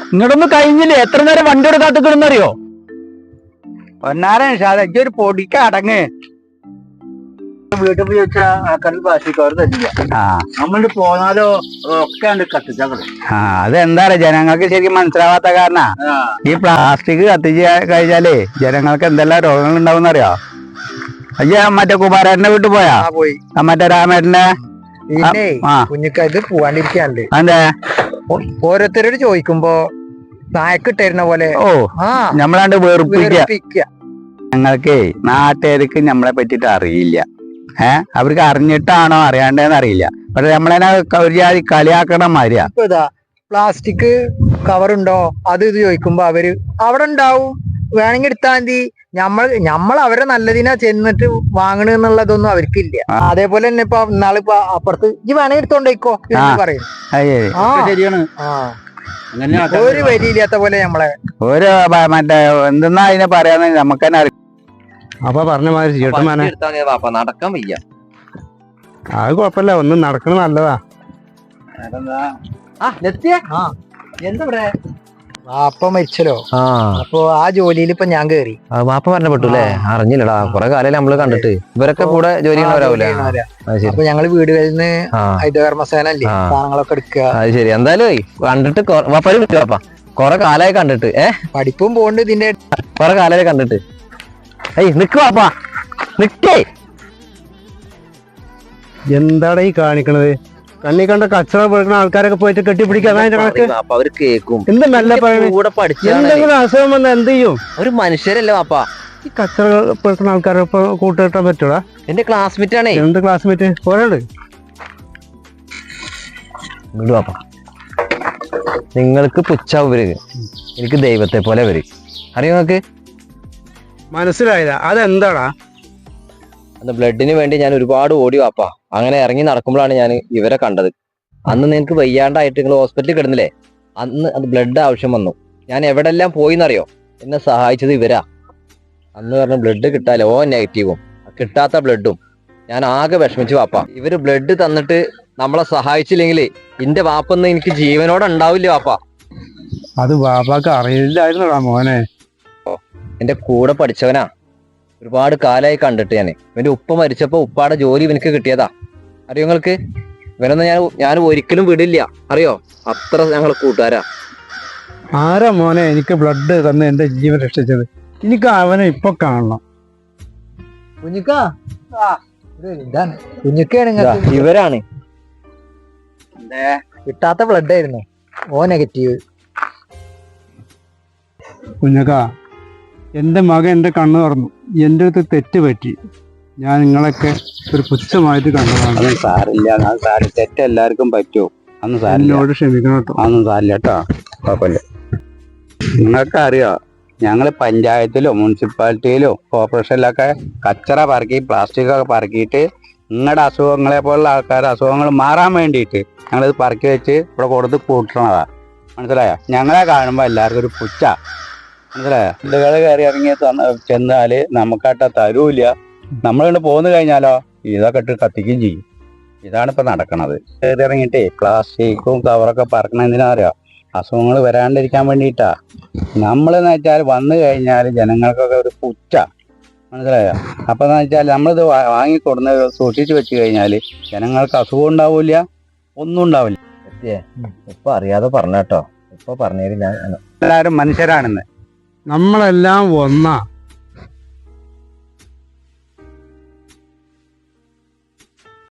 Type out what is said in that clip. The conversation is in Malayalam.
ഇങ്ങോട്ടൊന്നും കഴിഞ്ഞില്ലേ? എത്ര നേരം വണ്ടിയോട് കാത്തുക്കിടുന്നറിയോ? ഒന്നാരം ഒരു പൊടിക്ക അടങ്ങ് വീട്ടിൽ പോയി വെച്ചാ ആൾക്കാർക്ക് പ്ലാസ്റ്റിക് തരില്ല. നമ്മളിട്ട് പോന്നാലോ ഒക്കെ കത്തിച്ചാ. അതെന്താ പറയാ, ജനങ്ങൾക്ക് ശരിക്കും മനസ്സിലാവാത്ത കാരണ. ഈ പ്ലാസ്റ്റിക് കത്തിച്ച് കഴിച്ചാലേ ജനങ്ങൾക്ക് എന്തെല്ലാം രോഗങ്ങൾ ഉണ്ടാവും അറിയോ? അയ്യ മറ്റേ കുമാരേട്ടന്റെ വീട്ടിൽ പോയാ? പോയി. മറ്റേ രാമേട്ടന്റെ കുഞ്ഞിക്കായിട്ട് പോവാണ്ടിരിക്കാണ്ട്. അതെ, ഓരോരുത്തരോട് ചോദിക്കുമ്പോ നായക്കിട്ടിരുന്ന പോലെ നമ്മളാണ്ട് വെറുപ്പിക്ക. ഞങ്ങൾക്ക് നാട്ടുകാർക്ക് നമ്മളെ പറ്റിട്ട് അറിയില്ല. അവർക്ക് അറിഞ്ഞിട്ടാണോ അറിയാണ്ടേന്ന് അറിയില്ല. പക്ഷെ നമ്മളതിനെ ഒരു ജാതി കളിയാക്കണ മാതിരിയാ. പ്ലാസ്റ്റിക് കവറുണ്ടോ അത് ഇത് ചോദിക്കുമ്പോ അവര് അവിടെ ഉണ്ടാവും, വേണമെങ്കിൽ എടുത്താൽ മതി. നമ്മൾ അവരെ നല്ലതിനാ ചെന്നിട്ട് വാങ്ങണെന്നുള്ളതൊന്നും അവർക്കില്ല. അതേപോലെ തന്നെ ഇപ്പൊ ഇന്നാളിപ്പോ അപ്പുറത്ത് ഈ വേണമെങ്കിൽ എടുത്തോണ്ടേക്കോ പറയും. ശരിയാണ്. ഒരു വരിയില്ലാത്ത പോലെ നമ്മളെ ഒരു മറ്റേ എന്തെന്നാ അതിനെ പറയാന്ന് നമുക്ക് തന്നെ അറിയാം. അപ്പൊ പറഞ്ഞ മാതിരി നടക്കാൻ വയ്യ. അത് കൊഴപ്പല്ല, ഒന്നും നടക്കണ നല്ലതാ. വാപ്പ മരിച്ചല്ലോ. അപ്പൊ ആ ജോലിയിൽ ഇപ്പൊ ഞാൻ കേറി. വാപ്പ മരണപ്പെട്ടു അല്ലേ? അറിഞ്ഞില്ലടാ, കൊറേ കാലം നമ്മള് കണ്ടിട്ട്. ഇവരൊക്കെ കൂടെ ജോലി ചെയ്യുന്നവരാവൂലേ? അപ്പൊ ഞങ്ങള് വീടുകളിൽ നിന്ന് ഹരിതകർമ്മസേന അല്ലേ സാധനങ്ങളൊക്കെ എടുക്കുക. അത് ശരി. എന്തായാലും കണ്ടിട്ട് വാപ്പാര് വിളിച്ചു. വാപ്പ കൊറേ കാലായി കണ്ടിട്ട്. പഠിപ്പും പോണ്ട് ഇതിന്റെ കൊറേ കാലായി കണ്ടിട്ട്. നിക്ക് വാപ്പാ, നിക്കേ. എന്താടാ ഈ കാണിക്കണത്? കണ്ണി കണ്ട കച്ചറ പെടുക്കുന്ന ആൾക്കാരൊക്കെ പോയിട്ട് കെട്ടിപ്പിടിക്കാൻ അവര് കേക്കും. എന്ത് മെല്ലെ പറയണേ? കൂടെ പഠിച്ച എന്തെങ്കിലും അസുഖം വന്നാൽ എന്ത് ചെയ്യും? ഒരു മനുഷ്യരല്ലേ വാപ്പാ? ഈ കച്ചറ പെടുക്കുന്ന ആൾക്കാരെ കൂട്ടുകെട്ടാൻ പറ്റൂടാ? എന്റെ ക്ലാസ്മേറ്റ് ആണേ. എന്ത് ക്ലാസ്മേറ്റ്? ഒരാള് വാപ്പാ, നിങ്ങൾക്ക് പുച്ഛാവും ഇവര്, എനിക്ക് ദൈവത്തെ പോലെ വരും. അറിയോ നിങ്ങൾക്ക്? മനസ്സിലായില്ല. അതെന്താടാ? അന്ന് ബ്ലഡിന് വേണ്ടി ഞാൻ ഒരുപാട് ഓടി വാപ്പാ. അങ്ങനെ ഇറങ്ങി നടക്കുമ്പോഴാണ് ഞാൻ ഇവരെ കണ്ടത്. അന്ന് നിനക്ക് വയ്യാണ്ടായിട്ട് നിങ്ങൾ ഹോസ്പിറ്റലിൽ കിടന്നില്ലേ? അന്ന് അത് ബ്ലഡ് ആവശ്യം വന്നു. ഞാൻ എവിടെല്ലാം പോയിന്നറിയോ? എന്നെ സഹായിച്ചത് ഇവരാ. അന്ന് പറഞ്ഞ ബ്ലഡ് കിട്ടാലോ നെഗറ്റീവും കിട്ടാത്ത ബ്ലഡും. ഞാൻ ആകെ വിഷമിച്ചു വാപ്പാ. ഇവര് ബ്ലഡ് തന്നിട്ട് നമ്മളെ സഹായിച്ചില്ലെങ്കിൽ എന്റെ വാപ്പൊന്നും എനിക്ക് ജീവനോടെ ഉണ്ടാവില്ല വാപ്പാ. അത് വാപ്പാക്ക് അറിയില്ലായിരുന്നടാ മോനെ. എന്റെ കൂടെ പഠിച്ചവനാ, ഒരുപാട് കാലമായി കണ്ടിട്ട്. ഇവന്റെ ഉപ്പ മരിച്ചപ്പോ ഉപ്പാടെ ജോലി ഇവനക്ക് കിട്ടിയതാ. അറിയോ നിങ്ങൾക്ക്? ഇവനൊന്നും ഞാൻ ഒരിക്കലും വിടില്ല, അറിയോ? അത്ര ഞങ്ങൾ കൂട്ടുകാരാ. ആരാ മോനെ എനിക്ക് ബ്ലഡ് തന്ന് എന്റെ ജീവൻ രക്ഷിച്ചത്? എനിക്ക് അവനെ ഇപ്പൊ കാണണം. ഇവരാണ്. കിട്ടാത്ത ബ്ലഡ് ആയിരുന്നു, ഓ നെഗറ്റീവ്. കുഞ്ഞക്ക, എന്റെ മകൻ എന്റെ കണ്ണ് തുറന്നു. എന്റെ അടുത്ത് തെറ്റ് പറ്റി. ഞാൻ നിങ്ങളൊക്കെ ഒരു പുച്ഛമായിട്ട് കണ്ടതാണ്. സാരില്ല, തെറ്റ് എല്ലാവർക്കും പറ്റുമോ? അന്ന് എന്നോട് ക്ഷമിക്കണം കേട്ടോ. അതൊന്നും സാരില്ല കേട്ടോ, കുഴപ്പമില്ല. നിങ്ങൾക്ക് അറിയോ, ഞങ്ങള് പഞ്ചായത്തിലോ മുനിസിപ്പാലിറ്റിയിലോ കോർപ്പറേഷനിലൊക്കെ കച്ചറ പറക്കി പ്ലാസ്റ്റിക് ഒക്കെ പറക്കിയിട്ട് നിങ്ങളുടെ അസുഖങ്ങളെ പോലുള്ള ആൾക്കാരുടെ അസുഖങ്ങൾ മാറാൻ വേണ്ടിയിട്ട് ഞങ്ങളിത് പറക്കി വെച്ച് ഇവിടെ കൊടുത്ത് കൂട്ടണതാ. മനസ്സിലായോ? ഞങ്ങളെ കാണുമ്പോൾ എല്ലാവർക്കും ഒരു പുച്ഛ. മനസ്സിലായോ? ഇതുകൾ കയറി ഇറങ്ങി ചെന്നാല് നമുക്കാട്ട തരൂല്ല. നമ്മളിവിടെ പോന്നു കഴിഞ്ഞാലോ ഇതൊക്കെ ഇട്ട് കത്തിക്കുകയും ചെയ്യും. ഇതാണ് ഇപ്പൊ നടക്കണത്. കയറി ഇറങ്ങിയിട്ടേ പ്ലാസ്റ്റിക്കും കവറൊക്കെ പറക്കണ എന്തിനാ അറിയോ? അസുഖങ്ങൾ വരാണ്ടിരിക്കാൻ വേണ്ടിയിട്ടാ. നമ്മളെന്ന് വെച്ചാൽ വന്നു കഴിഞ്ഞാൽ ജനങ്ങൾക്കൊക്കെ ഒരു പുച്ഛ. മനസ്സിലായോ? അപ്പൊ എന്ന് വെച്ചാൽ നമ്മളിത് വാങ്ങിക്കൊടുന്ന് സൂക്ഷിച്ചു വെച്ച് കഴിഞ്ഞാല് ജനങ്ങൾക്ക് അസുഖം ഉണ്ടാവില്ല, ഒന്നും ഉണ്ടാവില്ല. ഇപ്പൊ അറിയാതെ പറഞ്ഞ കേട്ടോ. ഇപ്പൊ പറഞ്ഞേര് ഞാൻ. എല്ലാവരും മനുഷ്യരാണെന്ന്. നമ്മളെല്ലാം ഒന്നാ.